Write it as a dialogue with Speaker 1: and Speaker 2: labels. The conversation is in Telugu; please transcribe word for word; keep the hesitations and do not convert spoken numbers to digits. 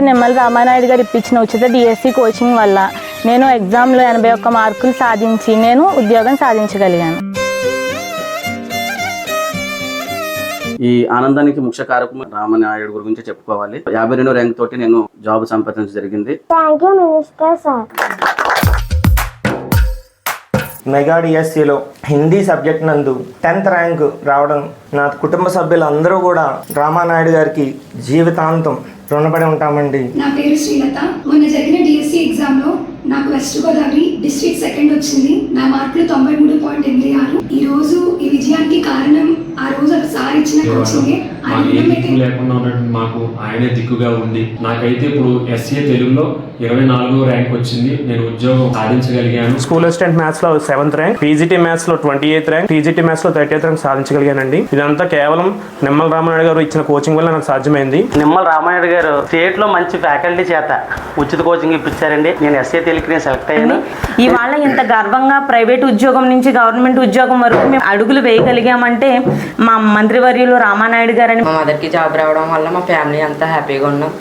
Speaker 1: నిమ్మల రామానాయుడు గారు ఇప్పించిన ఉచిత డిఎస్సి కోచింగ్ వల్ల నేను ఎగ్జామ్లో ఎనభై ఒక్క మార్కులు సాధించి నేను ఉద్యోగం సాధించగలిగాను.
Speaker 2: ఈ ఆనందానికి ముఖ్య కారకం రామానాయుడు గురించి చెప్పుకోవాలి. యాభై రెండు ర్యాంక్ తోటి నేను జాబ్ సంపాదించడం జరిగింది.
Speaker 3: Thank you minister sir.
Speaker 4: Mega డిఎస్సిలో హిందీ సబ్జెక్ట్ నందు టెన్త్ ర్యాంక్ రావడం నా కుటుంబ సభ్యులందరూ కూడా రామానాయుడు గారికి జీవితాంతం రుణపడి ఉంటామండి.
Speaker 5: నా పేరు శ్రీలత. మొన్న జరిగిన డిఎస్సి ఎగ్జామ్ లో నాకు వెస్ట్ గోదావరి డిస్ట్రిక్ట్ సెకండ్ వచ్చింది. నా మార్కులు తొంభై మూడు పాయింట్ ఎనిమిది ఆరు. ఈ రోజు ఈ విజయానికి కారణం ఆ రోజు సార్ ఇచ్చిన కోచింగే.
Speaker 6: లేకుండా ఉన్నట్టు మాకు ఆయనే దిక్కుగా ఉండి నాకైతే ఇప్పుడు ఎస్ఏ తెలుగులో ఇరవై నాలుగో ర్యాంక్ వచ్చింది. నేను ఉద్యోగం సాధించగలిగాను.
Speaker 7: స్కూల్ అసిస్టెంట్ మ్యాథ్స్ లో సెవెంత్ ర్యాంక్, పీజీటీ మ్యాథ్స్ లో twenty eighth rank, TGT maths లో థర్టీ ఎయిత్ ర్యాంక్ సాధించగలిగానండి. ఇదంతా కేవలం నిమ్మల రామానాయుడు గారు ఇచ్చిన కోచింగ్ వల్ల నాకు సాధ్యమైంది.
Speaker 8: నిమ్మల రామానాయుడు గారు స్టేట్ లో మంచి ఫ్యాకల్టీ చేత ఉచిత కోచింగ్ ఇప్పించారండి. నేను ఎస్ఏ తెలుగుకి సెలెక్ట్ అయ్యాను.
Speaker 9: ఇవాళ ఇంత గర్వంగా ప్రైవేట్ ఉద్యోగం నుంచి గవర్నమెంట్ ఉద్యోగం వరకు మేము అడుగులు వేయగలిగామంటే మా మంత్రివర్యులు రామానాయుడు గారని.
Speaker 10: మా మదర్కి జాబ్ రావడం వల్ల మా ఫ్యామిలీ అంతా హ్యాపీగా ఉన్నాం.